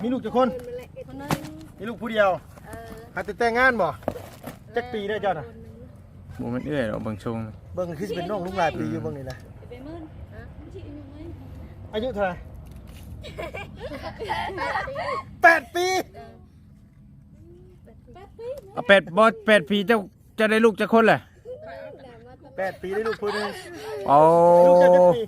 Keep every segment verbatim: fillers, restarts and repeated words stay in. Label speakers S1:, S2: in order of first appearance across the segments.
S1: มีลูกจักคนมีลูกผู้เดียวหาแต่แต่งงานบ่จักปีได้เจ้าน่ะ
S2: บ่มันเอื้อยหรอกบางช่วง
S1: เบิ่งคือสิเป็นน้องลุงหลายปีอยู่เบิ่งนี่นะอายุเท่าไหร่แปดปี
S2: เอาแปดบ่แปดปีเจ้าจะได้ลูกจักคนแหละ
S1: แปดปีได้ลูกผู้หนึง
S2: โอ้
S1: ลูกเจ้าจักปี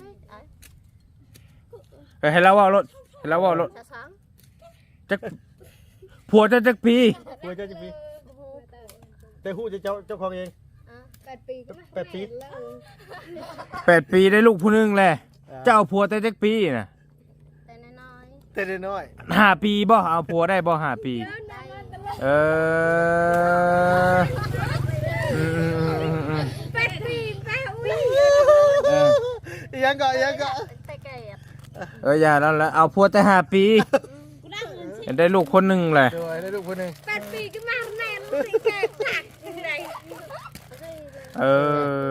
S2: เฮ้ยให้เราเว่ารถให้เราเว่ารถจักผัวเจ้าจักปี
S1: ผัวเจ้าจักปีแต่ฮู้จะเจ้าเจ้าของเอง
S3: แปดปีก็ไม่
S1: แปดปี
S2: แปดปีได้ลูกผู้หนึงแหละเจ้าเอาผัวแต่จักปีน่ะ
S3: แต่น้อย
S1: แต่น้อย
S2: ห้าปีบ่เอาผัวได้บ่ห้าปี เอออืม
S3: แปดปีแปดปี
S2: เออ
S1: อีหยังก็อีหยังก็
S3: แต่แก่
S2: เอออย่าแล้วละเอาผัวแต่ห้าปีได้ลูกคนหนึ่งเลย
S1: โดยได้ลูกผู้หนึง
S3: แปดปีก็มาแน่นแต่แก่ผักยังไง
S2: เออ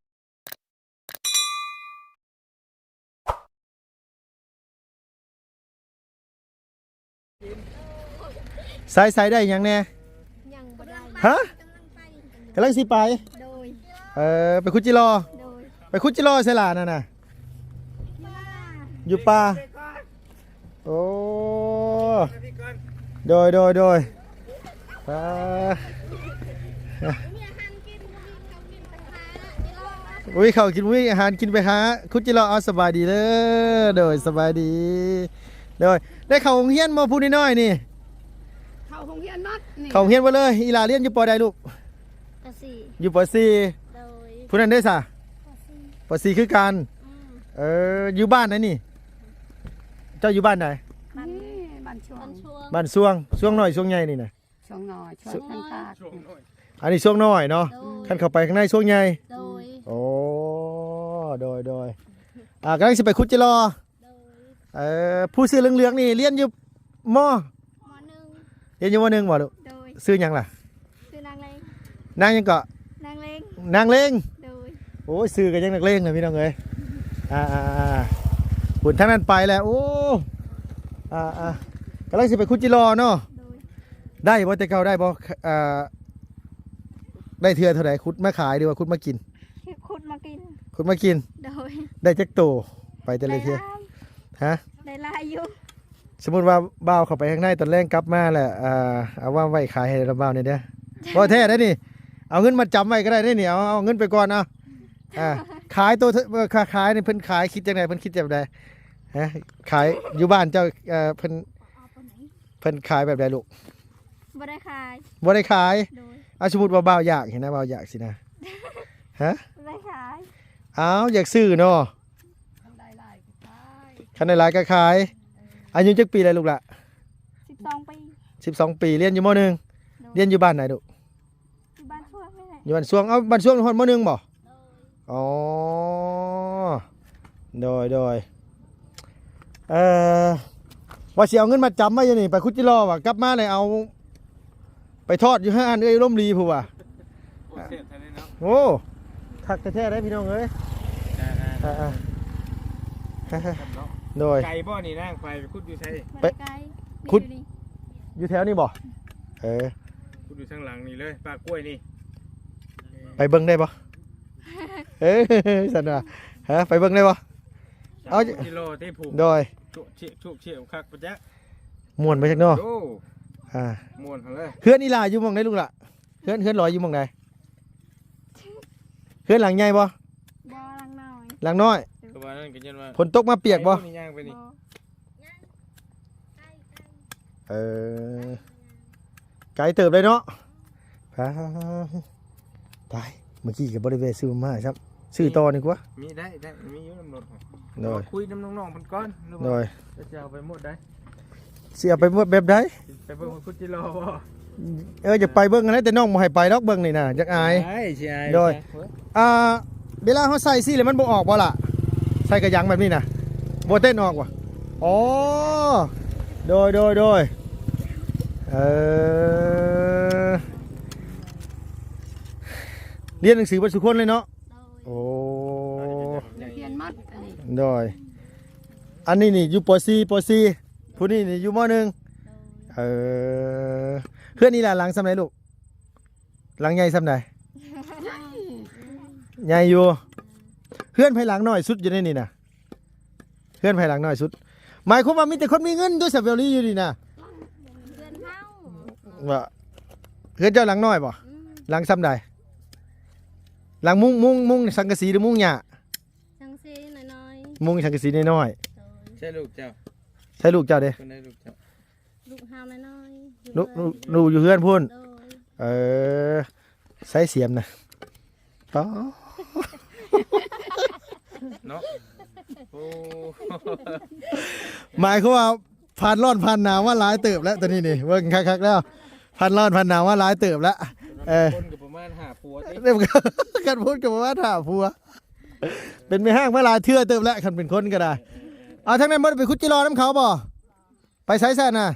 S1: ใส่ใส่ได้หยังแน่
S3: ยังบ่ได้
S1: ฮะกำลังสิไป
S3: โดย
S1: เออไปคุดจิรอ
S3: โดย
S1: ไปคุดจิรอใส่หลานน่ะน่ะอยู่ป่าโอ้โดยโดยโดยป่าอุ้ยเขากินอุ้ยอาหารกินไปหาคุดจิรอเอาสบายดีเลยโดยสบายดีโดยได้เข้าโรงเรียนมาพูดน้อยๆนี่
S3: เขาคงเฮียนนัดนี่
S1: เข้าโรงเรียนมาเลยอีหลาเรียนอยู่ปอใดลูก
S3: กะสี่
S1: อยู่ปอสี่
S3: โดย
S1: ผู้นั้นได้สะ
S3: กะสี่
S1: ปอสี่คือกัน
S3: อืม
S1: เอออยู่บ้านไหนนี่ เจ้าอยู่บ้านไหน
S3: บ้านบ้านช่วง
S1: บ้านช่วงช่วงน้อยช่วงใหญ่นี่นะ
S3: ช่วงน้อยช่วงข้างภาค
S1: อันนี้ช่วงน้อยเนาะขั้นเข้าไปข้างในช่วงใหญ่
S3: โดย
S1: โอ้โดยโดยอ่ากำลังสิไปคุดจิรอ
S3: โดย
S1: เออผู้ซื้อเหลืองๆนี่เรียนอยู่มอ
S3: มหนึ่ง
S1: เรียนอยู่มหนึ่งบ่ลูก
S3: โดย
S1: ซื้อหยังล่ะ
S3: คือนางเลง
S1: นางหยังเกาะ
S3: นางเลง
S1: นางเลง
S3: โดย
S1: โอ้ยซื้อกันยังนักเลงเลยพี่น้องเอ้ยอ่าอ่าอ่าหุ่นทั้งนั้นไปแล้วโอ้อ่าอ่ากำลังสิไปคุดจิรอเนาะ
S3: โดย
S1: ได้บ่แต่เก่าได้บ่อ่าได้เทื่อเท่าไหร่คุดมาขายดีกว่าคุดมากิน
S3: ขุดมากิน
S1: คุดมากิน
S3: โดย
S1: ได้จักโตไปแต่ละเทื่อฮะ
S3: ได้ลายอยู่
S1: สมมุติว่าบ่าวเข้าไปข้างในตอนแรกกลับมาแหละอ่าเอาว่าไว้ขายให้เราบ่าวเนี่ยเด้อบ่แท้ได้นี่เอาเงินมาจำไว้ก็ได้นี่เอาเอาเงินไปก่อนเอาอ่าขายตัวเอ่อค้าขายนี่เพิ่นขายคิดจังไดเพิ่นคิดแบบใดฮะขายอยู่บ้านเจ้าเอ่อเพิ่น
S3: เอาไปไหน
S1: เพิ่นขายแบบใดลูก
S3: บ่ได้ขาย
S1: บ่ได้ขาย
S3: โดย
S1: เอาสมมุติว่าบ่าวอยากเห็นนะบ่าวอยากสินะฮะ
S3: บ่ได้ขาย
S1: อ้าวอยากซื้อเนาะ
S3: ได้ลายก็ขาย
S1: คันในร้านก็ขายอายุจักปีอะไรลูกละ
S3: สิบสองปี
S1: สิบสองปีเรียนอยู่มหนึ่งเรียนอยู่บ้านไหนลูก
S3: อยู่บ้านช่วงนี่แหละ
S1: อยู่บ้านสวงเอาบ้านสวงคนมหนึ่งบ่อ๋อโดยโดยเอ่อว่าสิเอาเงินมาจำไว้อยู่นี่ไปคุดจิรอว่ะกลับมาเลยเอา ไปทอดอยู่ห้าอันเอ้ยร่มรีผู้ว่ะโอ้ทักแท้ๆได้พี่น้องเอ้ยอ่าๆโดย
S2: ไก่บ่นี่นั่งไปคุดอยู่ใช่
S3: ไปไกล
S1: ขุด
S3: นี่
S1: อยู่แถวนี้บ่เออ
S2: คุดอยู่ข้างหลังนี่เลยปลากล้วยนี่
S1: ไปเบิ่งได้บ่เอ้ยสันว่าฮะไปเบิ่งได้บ่เอา
S2: กิโลที่ผูก
S1: โดย
S2: ชุเชี่ยชุเชี่ยคักปะจ๊ะ
S1: ม่วนไปจักเนาะ
S2: โอ้
S1: อ่า
S2: ม่วนเขาเลย
S1: เฮือนอีหลาอยู่หม่องใดลูกล่ะเฮือนเฮือนลอยอยู่หม่องใดเฮือนหลังใหญ่บ่
S3: บ่ลังน้อย
S1: หลังน้อย
S2: ก็ว่านั่นก็ยันว่า
S1: ฝนตกมาเปียกบ่
S2: นี่ย่างไปนี่
S3: บ่
S1: เออไกลเติบเลยเนาะไปตายเมื่อกี้ก็บ่ได้แวะซื้อมาครับซื้อต่อนี่กว่า
S2: มีได้ได้มีอยู่น้ำรถ
S1: โดย
S2: คุยน้ำน้องๆมันก้อนหรือ
S1: โด
S2: ว่าย จะเอาไปหมดได้
S1: สิเอาไปหมดแบบใด
S2: ไปเบิ่งคุดจิโลบ่
S1: เออจะไปเบิ่งอันนั้นแต่น้องบ่ให้ไปดอกเบิ่งนี่น่ะจักอาย
S2: ใช่ใช่
S1: โดย อ่าเวลาเขาใส่สิแล้วมันบ่ออกบ่ล่ะใส่กระยังแบบนี้นะบ่เต้นออกว่ะอ๋อโดยโดยโดยเออเรียนหนังสือบัดสุคนเลยเนาะ
S3: โดย
S1: โอ้
S3: เรียนมัดอันนี้
S1: โดยอันนี้นี่อยู่ป .สี่ ป .สี่
S3: โ
S1: ผู้นี้นี่อยู่มหนึ่งเออเพื่อนนี่ล่ะหลังสำไหนลูกหลังใหญ่สำไหนใหญ่อยู่เพื่อนภายหลังน้อยสุดอยู่ในนี่นะเพื่อนภายหลังน้อยสุดหมายความว่ามีแต่คนมีเงินด้วยสับเวลี่อยู่นี่นะ
S3: เพื่อนเฮา
S1: ว่าเพื่อนเจ้าหลังน้อยบ่หลังซ้ำใดหลังมุ้งมุ้งมุ้งสังกะสีหรือมุ้งหญ้า
S3: จังซีน้อย
S1: มุ้งสังกะสีน้อย
S2: ใช่ลูกเจ้า
S1: ๆใช่ลูกเจ้าเด้
S2: คนได้ลูกเจ้า
S3: ๆลูกเฮาน้อยๆ
S1: ลูกลูกลูกอยู่เพื่อนพุ่น
S3: โดย
S1: เออใส่เสียมนะอ๋อ
S2: เนาะโอ้
S1: หมายความว่าผ่านร้อนผ่านหนาวว่าหลายเติบแล้วตอนนี้นี่เบิ่งคักๆแล้วผ่านร้อนผ่านหนาวว่าหลายเติบแล้วเออ
S2: คนกับประมาณห้าปัวติ
S1: เรียกกันพูดกับว่าถาผัวเป็นไม่ห้างเมื่อลายเทื่อเติมแล้วคันเป็นคนก็ได้เอาทั้งนั้นบ่ได้ไปคุดจิรอน้ำเขาบ่ไปไสแซ่น่ะ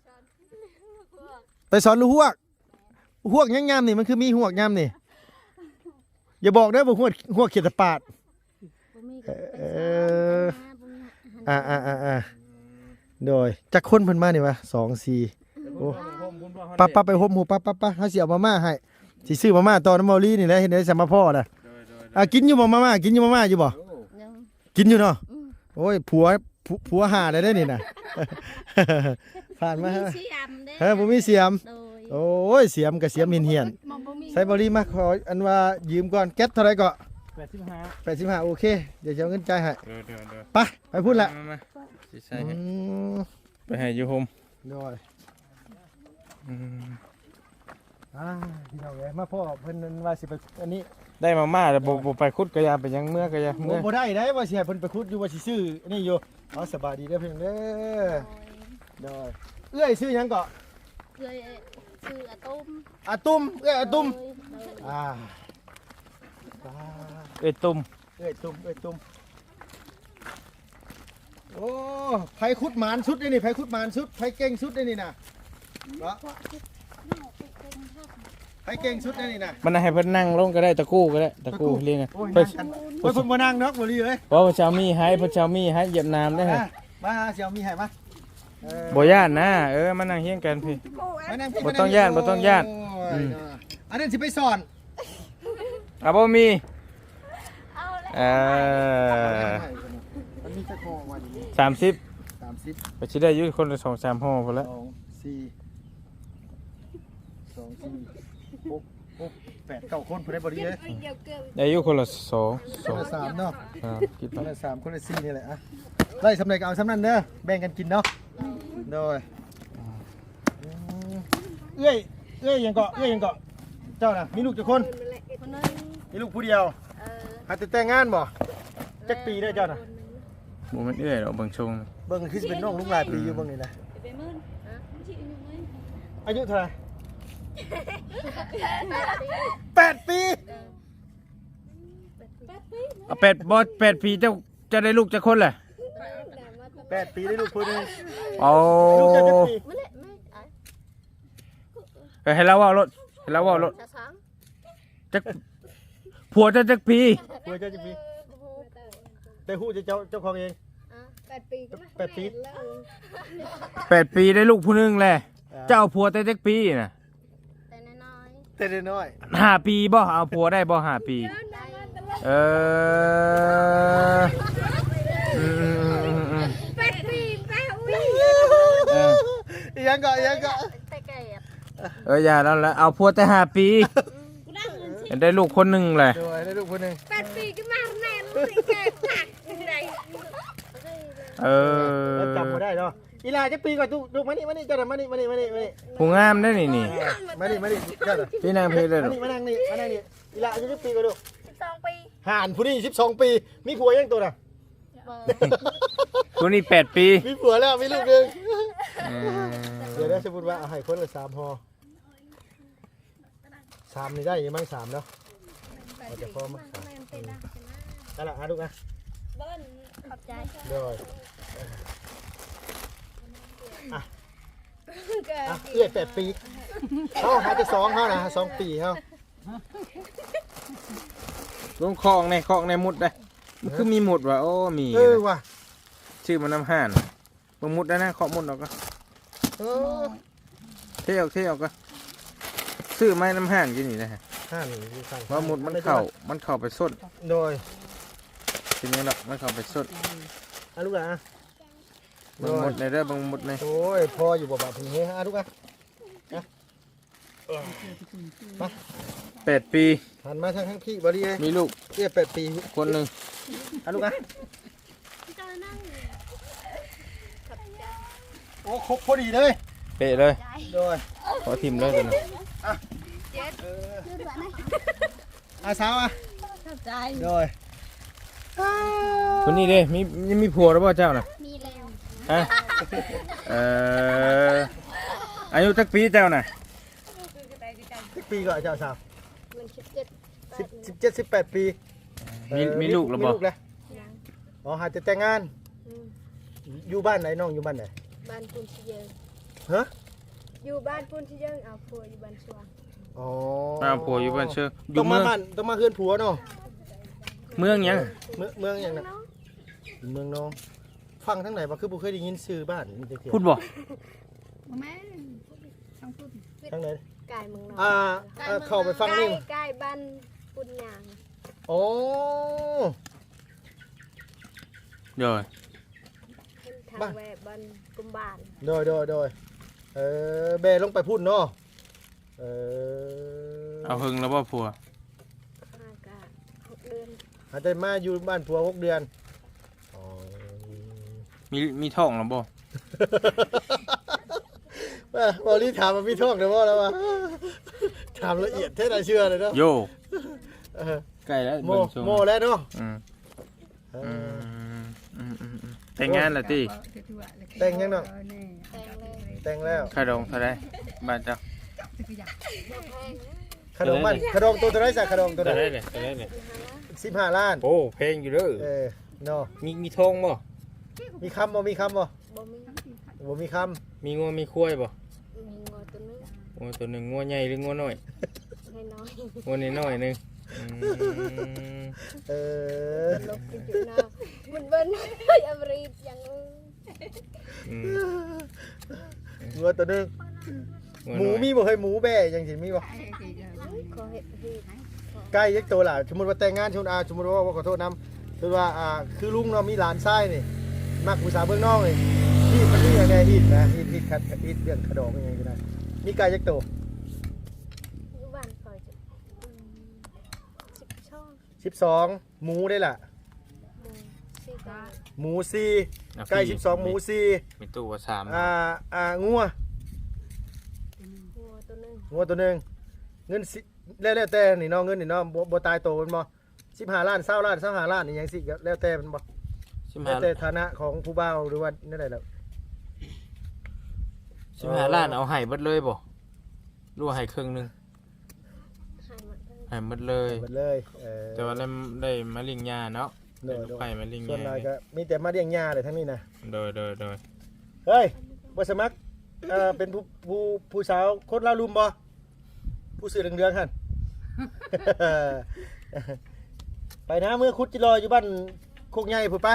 S1: ไปสอนลูกหวกหวกยังงามนี่มันคือมีหวกงามนี่อย่าบอกได้อบ่หวกหวกเขียดตะปาด
S3: บ่มีก็
S1: เอ
S3: ไป
S1: อ
S3: สอนนะบ่มี
S1: อ่าอ่าอ่าอ่าโดยจักคนเพิ่นมานี่วะสองสี่โอ้ปั๊บปั๊บไปห่มหูปั๊บปั๊บปั๊บเฮาสิเอามาม่าให้สิซื้อมาม่าต่อน้ำเมาลีนี่แหละเห็นได้สมาพ่อน่ะอ่ะกินอยู่บ่มาม่ากินอยู่มาม่าอยู่บ่
S3: เดี๋ยว
S1: กินอยู่เนาะ
S3: อืม
S1: โอ้ยผัวผัวผัวหาได้ได้นี่นะ ผ่านมาฮะ
S3: มีเสียมเด้
S1: เฮ้ยผมมีเสียม
S3: โดย
S1: โอ้ยเสียมกับเสียมเหียนเหียน
S3: มันบ่มี
S1: ใส่บริมาขออันว่ายืมก่อนแก๊สเท่าไรก็
S2: แปดสิบห้า
S1: แปดสิบห้าโอเคเดี๋ยวจะเอาเงินจ่ายให้
S2: เดี๋ยวเดี๋ยวเดี๋ยว
S1: ไปไปพูดละ
S2: มามาสิใส่
S1: อื
S2: ให้
S1: ม
S2: ไปให้อยู่โฮม
S1: โดย
S2: อืม
S1: อ่าพี่น้องเอ้ยมาพ่อเพิ่นนั่นว่าสิไปอันนี้
S2: ได้มาม่าแล้วบ่บ่ไปคุดกระยาไปยังเมื่อกระยา
S1: โอ้
S2: เมื่อ
S1: บ่ได้ได้ว่าสิให้เพิ่นไปคุดอยู่ว่าสิซื้ออันนี่อยู่เอาสบายดีเด้อเพิ่นเด้อโดยเอื้อยซื้อหยังก็
S3: โดยเลยชื่ออาตุ้ม
S1: อาตุ้มเอื้อยอาตุ้ม
S3: โดยโดย
S1: อ่า
S2: เอ้ยตุ่ม
S1: เอ้ยตุ้มเอ้ยตุ้มโอ้ไผคุดหมานสุดเลยนี่ไผคุดหมานสุดไผเก่งสุดเลยนี่นะเนาะไผเก่งสุดเลยนี่นะ
S2: มันให้เพิ่นนั่งลงก็ได้ตะกู้ก็ได้ตะกู้เรียกไง
S1: โอ้ย
S2: เพิ่
S1: นั่
S2: น
S1: งกันโอ้ยเพิ่นบ่นั่งเนาะบ่รีเอ้ย
S2: เพราะว่าเจ้ามีให้เพราะเจ้ามีให้เหยียบน้ำได้ฮะ
S1: มามาหาเสี่ยวมีให้มาเออ
S2: บ่ย่านนะเออมานั่งเฮียงกันพี่
S1: มานั่งพี่
S2: บ่ต้องย้านบ่ต้องย้าน
S1: โอ้ย
S2: อืม
S1: เนาะอันนั้นสิไปสอน
S2: อ่ะบ่มี
S3: เอาแล้ว
S2: เออ
S1: มันมีจักห่อว่านี่
S2: สามสิบ
S1: สามสิบ
S2: ไปสิได้อยู่คนละสองสามห่อพุ่นละ
S1: สองสี่สองสี่หกหกแปดเก้าคนผู้ใดบ่ดีเอ้ย
S3: เดี๋ยวเกิด
S2: ได้อยู่คนละสอง
S1: ค
S2: สอน ง
S1: ละสามเนาะ
S2: อ่าคิด
S1: ค
S2: ไป
S1: นละสามคนละสี่นี่แหละอะไล่สำเร็จก็เอาสำนั้นเด้อแบ่งกันกินเนาะโดยอืมเอ้ยเอ้ยยังเกาะเอ้ยยังเกาะเจ้าน่ะมีลูกกี่คน
S3: คนนึง
S1: มีลูกผู้เดียว
S3: เออ
S1: หาแต่แต่งงานบ่จักปีเด้อเจ้าน่ะ
S2: บ่แม่นเอื้อยดอกเบิ่งชง
S1: เบิ่งคือสิเป็นน้องลุงหลายปีอยู่เบิ่งนี่นะ
S3: ไปมื่นฮะที่อายุไหม
S1: อายุเท่าไหร่แปดปี
S3: แปดปี
S2: เอาแปดบ่แปดปีเจ้าจะได้ลูกจักคนแหละ
S1: แปดปีได้ลูกผู้หนึง
S2: เอา
S1: ลูกเจ้าจักปี
S3: ไม่เละไม่ไอ้
S2: เอ้ยให้เราเว้ารถให้เราเว้ารถ
S3: จะสัง
S2: จักผัวเจ้าจักปี
S1: ผัวเจ้าจักปีแต่ฮู้จะเจ้าเจ้าของเอง
S3: แปดปีก็
S1: แปดปี
S2: แปดปีได้ลูกผู้หนึงแหละเจ้าเอาผัวแต่จักปีน่ะ
S3: แต่น้อย
S1: แต่น้อย
S2: ห้าปีบ่เอาผัวได้บ่ห้าปี
S3: ๆได้
S2: เอออืม
S3: แปดปีแปดปี
S2: เออ
S1: อีหยังก็อีหยังก็
S3: แต่แก่
S2: เอออย่าแล้วละเอาผัวแต่ห้าปี
S3: กูได้เงิน
S2: ได้ลูกคนหนึ่งเลย
S1: โดยได้ลูกผู้หนึง
S3: แปดปีก็มาแน่ลูกแก่ผักไหน
S2: เออ
S1: แล้วจำบ่ได้เนาะอีหลาจักปีก่อนลูกลูกมานี่มานี่เจ้าน่ะมานี่มานี่มานี่มานี่
S2: ผู้งามได้นี่นี่
S1: มานี่มานี่เจ้าน่ะ
S2: พี่นางเพลเลย
S1: มานี่มานั่งนี่มานั่งนี่อีหลาอายุจักปีก่อนลูก
S3: สิบสองปี
S1: ห่านผู้นี้สิบสองปี มีผัวยังตัวน่ะ
S3: เบอร์
S2: ตัวนี้แปดปี
S1: มีผัวแล้วมีลูกหนึง
S2: เออ
S1: เดี๋ยวได้สมมติว่าเอาให้คนละสามห่อสามนี่ได้ยังมั้งสามเนาะเราจะพอมั้งสามนั่นแหละฮะลูกนะ
S3: เบิ้ลขอบใจ
S1: เดี๋ยวอ่ะอ่ะเอื้อยแปดปีเขาหาจะสองเขานะสองปีเขา
S2: ลงคลองในคลองในมุดได้มันคือมีหมุดว่ะโอ้มี
S1: เออว่ะ
S2: ชื่อมันน้ำห่านเบิ่งมุดได้นะเคาะมุดออกก็
S1: เออ
S2: เทออกเทออกก็ซื้อไม้น้ำห่านกินนี่นะฮะ
S1: ห้าหนึ่งอยู่ข้าง
S2: ว่ามุดมันเข้ามันเข้าไปสด
S1: โดย
S2: ทีนี้ดอกมันเข้าไปสด
S1: อ่ะลูกอ่ะ
S2: เบิ่งมุดในเด้อเบิ่งมุดใน
S1: โอ้ยพออยู่บ่บ่าพี่เฮ้อ่ะลูกอ่ะ
S2: แปดปี
S1: หันมาทางข้างพี่บ่ดีเอ้ย
S2: มีลูก
S1: เตี้ยแปดปี
S2: คนหนึ่ง
S1: อ่ะลูกอ่ะ
S3: เจ้านั่งขอบใจ
S1: โอ้ครบพอดีเลย
S2: เปะเลย
S1: โดย
S2: ขอทิมเลยตัวนึง
S3: เจ็ด
S1: อาสาวอ่ะ
S3: ขอบใจ
S1: โดย
S2: คนนี้เด้มียังมีผัวหรือเปล่าเจ้าน่ะ
S3: มีแล้ว
S2: ฮะเอ่ออายุจักปีเจ้าน่ะ
S1: สิบปีก็เจ้าสาว
S3: มันสิบเจ็ด
S1: สิบสิบเจ็ดสิบแปดปี
S2: มี
S1: เอ่อ
S2: มีลูกหรือเปล่า
S1: มีลูกแล้ว
S3: ยัง
S1: อ๋อหาจะแต่งงาน
S3: อืม
S1: อยู่บ้านไหนน้องอยู่บ้านไหน
S3: บ้านปุนชิเยง
S1: ฮะ
S3: อยู่บ้านปุนชิเยงเอาผัวอยู่บ้านสว่าง
S1: อ๋อ
S2: อ้าวผัวอยู่บ้านเชื่ออ
S1: ต้อยู่ ง
S2: เมื
S1: มา
S2: อง
S1: บ้านต้องมาเฮือนผัวเนาะ
S2: เมืองหยัง
S1: เมืองเมืองอย่างนั้น
S3: เนาะ
S1: เมืองน้องฟังทั้งไหนบ่คือบ่เคยได้ยินชื่อบ้านมีแต่เที่ยว
S2: พูดบ่
S3: แม่ทั้งพูด
S1: ทั้งไหน
S3: กายเมืองนอก
S1: อ่าอ่าเข้าไปฟังนี่
S3: ใกล้บ้านปุนยาง
S1: โอ้
S2: เดี๋ยว
S3: ขึ้นทางแวบ้านกุมบาน
S1: โดยโดยโดยเออเบลงไปพุ่นเนาะเออ
S2: เอาหึงแล้วบ่ผัว
S3: ห้ากะหกเดือน
S1: อาจจะมาอยู่บ้านผัวหกเดือนอ๋อ
S2: มีมีท้องแล้วบ่
S1: ว่าบอลี่ถามมาพี่ท่องเดี๋ยวว่าแล้วว่าถามละเอียดแท้น่าเชื่อเลยเนาะ
S2: โย
S1: เออ
S2: ใกล้แล้ว
S1: โม
S2: เบิ่งทรง
S1: โมแล้วเนาะ
S2: อืม
S1: เอ
S2: อื
S1: อ
S2: มอืมอืมอืมแต่งงานแล้วติ
S1: แต่งยังเนาะ
S3: แต่งเลย
S1: แต่งแล้ว
S2: ค่าดองเท่าไหร่บ้านเจ้า
S3: บ่แพงนะ
S1: ขนมมันขนมตัวเท่าไหรสักขนมตัว
S2: เท่า
S1: ไห
S2: ไห
S1: น
S2: ร่เนี่ยเท่าไหร่เนี่ย
S1: สิบห้าล้าน
S2: โอ้เพลงอยู่เด้อ
S1: เออเนาะ
S2: มีมีทองบ่
S1: มีคำบ่มีคำบ่
S3: บ่มี
S1: บ่มีค
S2: มีงัวมีควายบ่
S3: มีงอตัวนึง
S2: งัวตัวหนึงงัวใหญ่หรืองัวน้อย
S3: ให้น้อย
S2: งัวน้อยๆหนึงอืม
S1: ำเออ
S3: ลบกินอยู่นามันเบิ้นเฮ้ยอเมริกยัง
S2: อืม
S1: งัวตัวหนึง
S2: งัว
S1: หมู
S2: น้อย
S1: มีบ่เคยหมูแบ่ยังสิมีบ่
S3: ขอเห็ดเห็ด
S1: ใกล้ยักตัวล่ะสมมุติว่าแต่งงานชมอาสมมุติว่าว่าขอโทษนำคือว่าอ่าคือลุงเนาะมีหลานชายนี่มักผู้สาวเบื้องนอกนี่ฮีดมันมีอย่างไงฮีดนะฮีดฮีดคัดฮีดเรื่องขดองยังไงก็ได้มีไก่ยักตัว
S3: อยู่บ้านคอยจะสิบช่อง
S1: สิบสองหมูได้ล่ะ
S3: หมูสี่กา
S1: หมูสี่
S2: อ่ะ
S1: ไก่สิบสองหมูสี่
S2: มีตู้ว่าสาม
S1: อ่าอ่างัว
S3: งัวตัวนึง
S1: งัวตัวหนึงเงินสิแล้วแล้วแต่นี่เนาะเงินนี่เนาะบ่บ่ตายโตมันบ่สิบห้าล้านเศร้าล้านเศร้าห้าล้านนี่ยังสิก็แล้วแต่มันบ่
S2: สิบ
S1: แล้ว
S2: ห้า
S1: แต่ฐานะของผู้บ่าวหรือว่านั่นแหละ
S2: สิบห้าล้านเอาให้เบิดเลยบ่รู้ให้ครึ่งหนึง
S3: หายหมดเลย
S2: ให้เบิดเลย
S1: หมดเลยเออ
S2: แต่ว่าได้ได้มาเลิงยาเนาะ
S1: โด
S2: ได้
S1: ย
S2: ลูกไผ่มาเลิง
S1: ส่วน
S2: ยา
S1: น้อยก็มีแต่มาเลี้ยงหญ้าเลยทั้งนี้นะ
S2: โดยโดยโดย
S1: เฮ้ยบ่สมัครเอ่อเป็นผู้ผู้ผู้สาวคนลาวลุมบ่ผู้สื่อเรืองๆหั่น ไปนะเมื่อคุดจิรออยู่บ้านโคกใหญ่พุ่นไป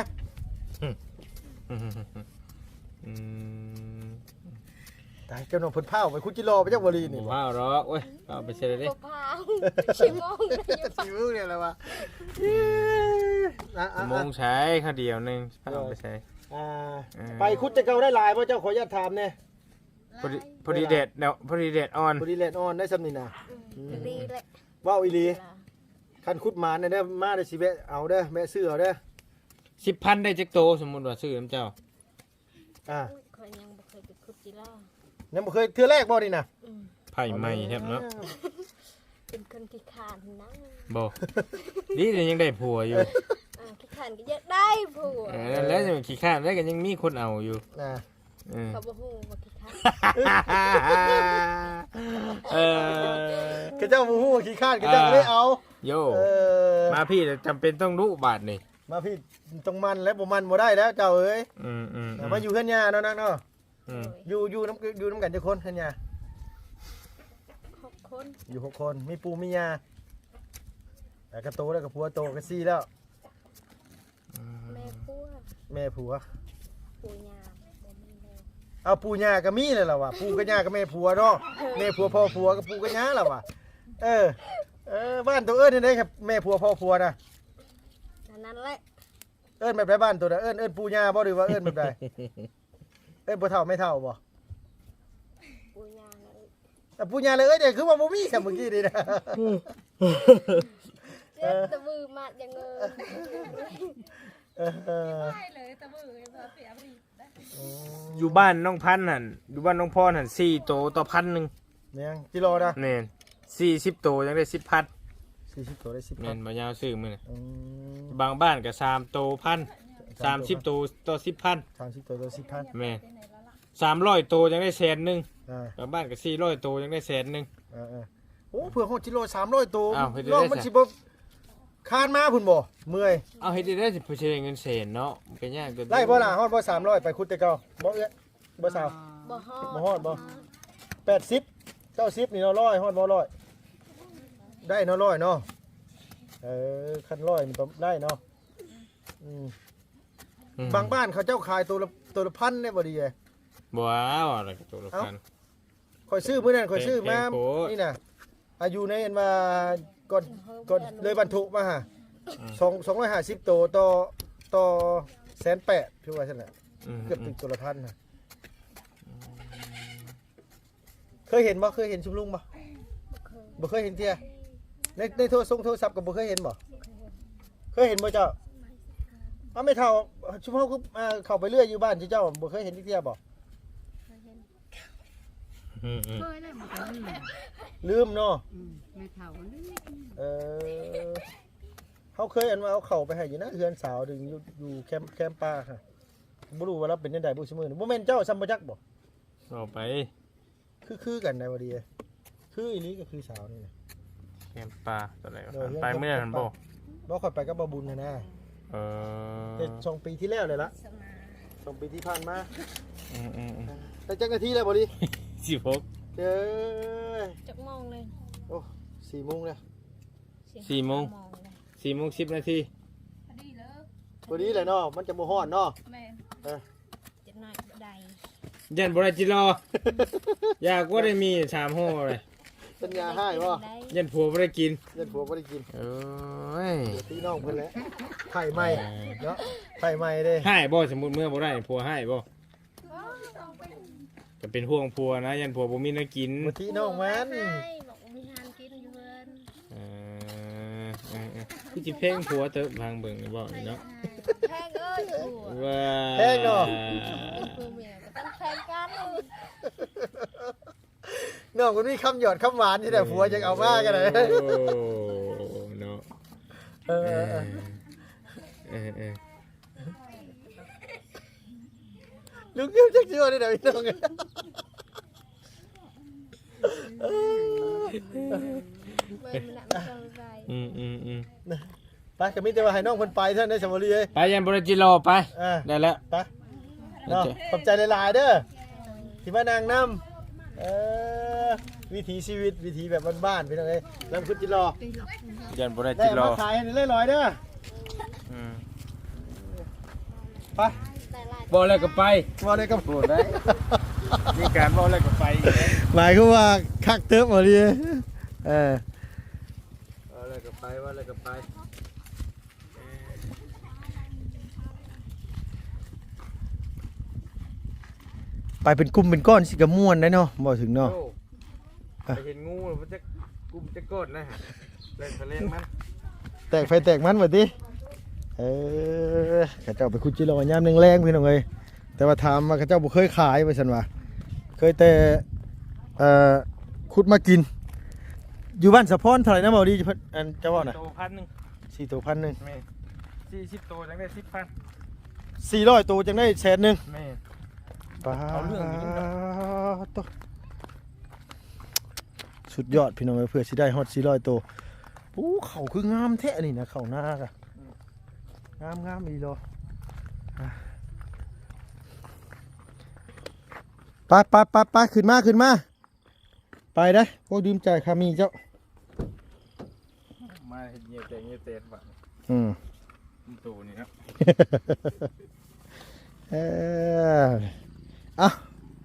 S2: อืม
S1: ตายเจ้าน้องเพิ่นเผาไปคุดจิรอไปจักบ่ลี
S2: หมู
S1: นี่
S2: ผ้าหรอกเว้ยเอาไปเช็ดเลยดิ
S3: กพาวชิมองเลย
S1: สิวเนี่ยแหละว่าอ่ะอ่ะ
S2: โมงใช้ข้าวเดียวหนึงเอาไปใช้
S1: อ่า
S2: เออ
S1: ไปคุดจะเก่าได้หลายบ่เจ้าขออนุญาตถามแน่
S2: พอดีพอดีเด็ดเนาะพอดีเด็ดอ่อน
S1: พอดีแลนออนได้ซำนี่นะ
S3: ดีเลย
S1: ว้าวอีหลีคันคุดหมานเนี่ยเด้อมาได้สิแวะเอาเด้อแม่ซื้อเอาเด้อ
S2: สิบพันได้จักโตสมมุติว่าซื้อน้ำเจ้า
S1: อ่า
S3: คอยยังบ่เคยไปคุดจิล่า
S1: ยังบ่เคยเทื่อแรกบ่นี่นะ
S2: ไผ่ใหม่แทบเนาะ
S3: เป็นคนขี้ขานนะ
S2: บ่นี่เดี๋ยวยังได้ผัวอยู่
S3: อ่าขี้ขานก็อยากได้ผัว
S2: เออแล้วจะขี้ข้านแล้วก็ยังมีคนเอาอยู่
S1: อ่า
S2: เออ
S3: เขาบ่ฮู้ว่าขี้ขาน
S2: เออ
S1: ก็เจ้าบ่ฮู้ว่าขี้ข้านก็เจ้าก็เลยเอา
S2: โย
S1: เออ
S2: มาพี่จำเป็นต้องรู้บาทนี่
S1: มาพี่ต้องมันและบ่มันบ่ได้แล้วเจ้าเอ้ย
S2: อืมอืม
S1: อ่ามาอยู่เฮือนย่าเนาะนักเนาะ
S2: อืม
S1: อยู่อยู่น้ำอยู่น้ำกันจักคนเฮือนย่า
S3: หกคน
S1: อยู่หกคนมีปู่มีย่าแต่ก็โตแล้วก็ผัวโตก็ซี่แล้ว
S3: แม่ผัว
S1: แม่ผัว
S3: ปู่ย่าบ่มี
S1: เอาปู่ย่าก็มีเลยล่ะว่ะปู่กับย่ากับแม่ผัวเนาะแม่ผัวพ่อผัวกับปู่กับย่าล่ะว่ะเออเออบ้านตัวเอิ้นนี่ได้ครับแม่ผัวพ่อผัวนะ
S3: อันนั้นแหละ
S1: เอิ้นแบบไรบ้านตัวน่ะเอิ้นเอิ้นปู่ย่าบ่หรือว่าเอิ้นแบบใดเอิ้นบ่เฒ่าไม่เฒ่าบ่
S3: ปูยาเลย
S1: แต่ปู่ย่าเลยเอ้ยเดี๋ยวคือว่าบ่มีซะเมื่อกี้นี่นะ
S3: เจ็บตะมือมาอย่างเงิน
S1: เออ
S4: ใช่เลยตะมือพอเสียบรีได้
S2: อยู่บ้านน้องพันธุ์หั่นอยู่บ้านน้องพรหั่นสี่โตต่อพันหนึง
S1: เนี่ยกิโลนะ
S2: แม่นสี่สิบโตยังได้สิบพัน
S1: สี่สิบตัวได้สิบ
S2: แม่นบ่ยาวซื้อมื้อน่ะ
S1: อืม
S2: บางบ้านก็สามโตพันสามสิบโตต่อสิบพัน
S1: สามสิบตัวตัวสิบพัน
S2: แม่นสามร้อยโตยังได้แสนหนึง
S1: อ่า
S2: บางบ้านก็สี่ร้อยโตยังได้แสนหนึง
S1: อ่าอ่าโอ้เผื่อหกกิโลสามร้อยตัว
S2: อ้าวเฮ็ดได้
S1: ลองมัน
S2: ไง
S1: สิบ่คานมาพุ่นบ่เมื่อย
S2: เอาเฮ็ดได้สิเพิ่นสิได้เงินแสนเนาะมันก็ยากเกิน
S1: ไล่บ่ล่ะฮอดบ่สามร้อยไปคุดแต่เก่าบ่เอ้ยบ่สาว
S3: บ่ฮอด
S1: บ่ฮอดบ่ แปดสิบเก้าสิบนี่เนาะร้อยฮอดบ่ร้อยได้เนาะร้อยเนาะเออคันร้อยมันต้องได้เนาะอืม
S2: อืม
S1: บางบ้านเขาเจ้าขายตัวละตัวละพันเนี่ยบ่ดีเลย
S2: บ่เอาอะไรก็ตัวละพัน
S1: ข่อยซื้อมื้อนั้นข่อยซื้อมา
S2: แพงโพด
S1: นี่น่ะอายุในอันว่าก่อนก่อนเลยบรรทุกมาฮะสองสองร้อยห้าสิบตัวต่อต่อแสนแปดพี่ว่าซั่นแหละ
S2: อืม
S1: เกือบถึงตัวละพันน่ะเคยเห็นบ่เคยเห็นชุมลุงบ่บ่เคยเห็นเที่ยในในโทรศัพท์โทรศัพท์ก็บ่เคยเห็นบ่เคยเห็นบ่เจ้าเอาไม่เท่าชุมเฮาคืออ่าเข้าไปเรื่อยอยู่บ้านเจ้าบ่เคยเห็นเที่ยบ่
S2: อืมอืม
S4: เคยได้มันก็ลืม
S1: ลืมเนาะ
S4: อืมไม่เท่าลืม
S1: เออเขาเคยอันว่าเอาเข่าไปให้อยู่นะเฮือนสาวดึงอยู่อยู่แคมป์แคมป์ป่าค่ะบ่รู้ว่าเราเป็นจังไดบ่ซิมื้อนี้บ่แม่นเจ้าซัมบ่จักบ่
S2: เอาไป
S1: คือคือกันได้บ่ดีคืออีหลีก็คือสาวนี่นะ
S2: แคมปลาตัวไหนวะ
S1: เออ
S2: ไปเมื่อนั้นบ่
S1: บ่ค่อยไปกับบ่บุญนะนะ
S2: เออ
S1: แต่สองปีที่แล้วเลยละสองปีที่ผ่านมา
S2: อืมอืมอืม
S1: แต่จักนาทีแล้วบ่ดี
S2: สิบหก
S1: เด้อ
S3: จักมองเลย
S1: โอ้สี่โมงแล้ว
S2: สี่โมง
S3: มองเลย
S2: สี่โมงสิบนาที
S4: พอดีเลย
S1: บ่ดีเลยเนาะมันจะบ่ฮ้อนเนาะ
S4: แม่น
S1: เออ
S3: จักหน่อยบ่ได้
S2: ยันบริจิรอ อยากว่าได้มีสามห้อเลย
S1: สัญญาให้บ่
S3: ได้
S2: ยันผัวบ่ได้กิน
S1: เงินผัวบ่ได้กิน
S2: เอ้ย
S1: เดี๋ยวพี่น้องเพิ่นแหละไข่ใหม่เนาะไข่ใหม่เด้
S2: ให้บ่สมมุติเมื่อบ่ได้ผัวให้บ่ก็เป็นห่วงผัวนะ ยันผัวบ่มีน้ำกิน
S1: บ่ที่น้องมัน
S3: ให้บอกว่ามีงานกินอยู่เพิ่น
S2: เออเออเออคือจิเพ่งผัวเติบพังเบิ่งนี่บ่นี่เนาะ
S3: แพงเอ้ยผัว
S2: ว้า
S1: แพงเนาะ
S3: เป็นผัวเมียก็ต้องแพงกัน
S1: น้องคนนี้คำหยอดคำหวานที่แต่ผัวจะเอามากันเลย
S2: โอ้เนาะ
S1: เออ
S2: เอ
S1: เอ
S2: อ
S1: อ
S2: เออเออ
S1: ลุงยิ้มจักจิ๋วนี่เดี๋ยวพี่น้อง
S3: เบิ่งมันน่ะมันต้องไป
S2: อืมอืมอืม
S1: ไปก็มีแต่ว่าให้น้องคนไปเท่านั้นสมรีเอ้ย
S2: ไปยันบริจิรอไป
S1: อ่า
S2: ได้แล้ว
S1: ไปเนาะขอบใจหลายๆเด้อที่มานางนำเออวิถีชีวิตวิถีแบบบ้านๆพี่น้องเอ้ยลำพุดจิรอ
S2: ยันบริ
S1: ได้
S2: จิรอ
S1: มาขายให้เรื่อยๆเด้อ
S2: อืม
S1: ไป
S3: แต่หลาย
S2: บ่แล้วก็ไป
S1: มาเลยกับ
S2: พูดได้ มีการบ่แล้วก็ไป
S1: หมายคือว่าคักเติบบ่ดีเออ
S2: บ่แล้วก็ไปบ่แล้วก็ไป
S1: ไปเป็นกลุ่มเป็นก้อนสิกระม่วนได้เนาะบ่ถึงเนาะ
S2: โอ้ไปเห็นงูมันจะกุมจะกดนะฮะเล่นไปเล่นมัน
S1: แตกไฟแตกมันบัดนี้เออข้าเจ้าไปขุดจิโร่ยามแรงๆพี่น้องเอ้ยแต่ว่าถามว่าข้าเจ้าบ่เคยขายว่าซั่นว่าเคยแต่เอ่อขุดมากิน อยู่บ้านสะพอนเท่าไหร่นะบ่ดีอันเจ้าว่าน่ะ
S2: โตพันหนึ่ง
S1: สี่ตัวพันหนึง
S2: แม่สี่สิบโตจังได้สิบพัน
S1: สี่ร้อยตัวจังได้แสนหนึง
S2: แม่
S1: ปา
S2: เอาเรื่องอยู่นี่ครับ
S1: ตัวสุดยอดพี่น้องเอ้ยเพื่อสิได้ฮอดสี่ร้อยตัวโอ้เขาคืองามแท้นี่นะเขาหน้ากะงามงามอีหลออ่ะไปไปไปไปขึ้นมาขึ้นมาไปได้อพวกดื่มใจายคามีเจ้า
S2: มาเห็นเงียบแต่เงียบเตะบ้าง
S1: อืม
S2: ตัวนี้ครับ
S1: เอออ่ะ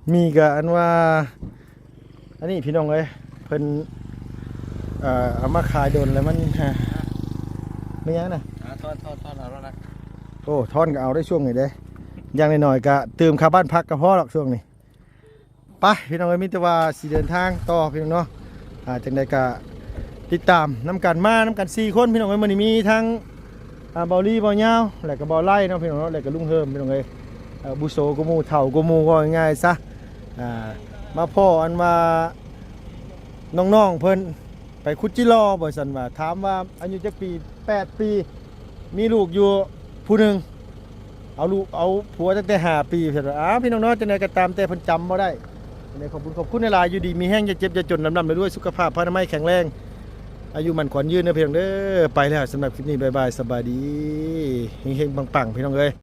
S1: มีก็อันว่าอันนี้พี่น้องเอ้ยเพิ่นเอ่อเอามาขายโดนแล้วมันฮะไม่ยังน่ะ
S2: อ่าทอดทอดทอดเอาแล้วนะ
S1: โอ้ทอนก็เอาได้ช่วงนี้เด้อย่างน้อยๆก็เติมค่าบ้านพักก็พอหรอกช่วงนี้ไปพี่น้องเอ้ยมีแต่ว่าสิเดินทางต่อพี่น้องเนาะอ่าจังใดก็ติดตามน้ำกันมาน้ำกันสี่คนพี่น้องเอ้ยมื้อนี้มีทั้งอ่าเบาลี่เบาเหย้าแล้วก็เบาไล่เนาะพี่น้องเนาะแล้วก็ลุงเฮิมพี่น้องเอ้ยเอ่อบุโซกูหมู่เฒ่ากูหมู่ก็ง่ายๆซะอ่ามาพ่ออันว่าน้องๆเพิ่นไปคุดจิรอบ่ซั่นว่าถามว่าอายุจักปีแปดปีมีลูกอยู่ผู้หนึงเอาลูกเอาผัวตั้งแต่ห้าปีเพิ่นว่าอ้าวพี่น้องเนาะจังได๋ก็ตามแต่เพิ่นจำบ่ได้จังได๋ขอบคุณขอบคุณหลายๆอยู่ดีมีแห้งอย่าเจ็บอย่าจนลำๆไปด้วยสุขภาพพระนามัยแข็งแรงอายุมันขวัญยืนเด้อพี่น้องเด้อไปแล้วสำหรับคลิปนี้บ๊ายบายสบายดีเฮงๆปังๆพี่น้องเอ้ย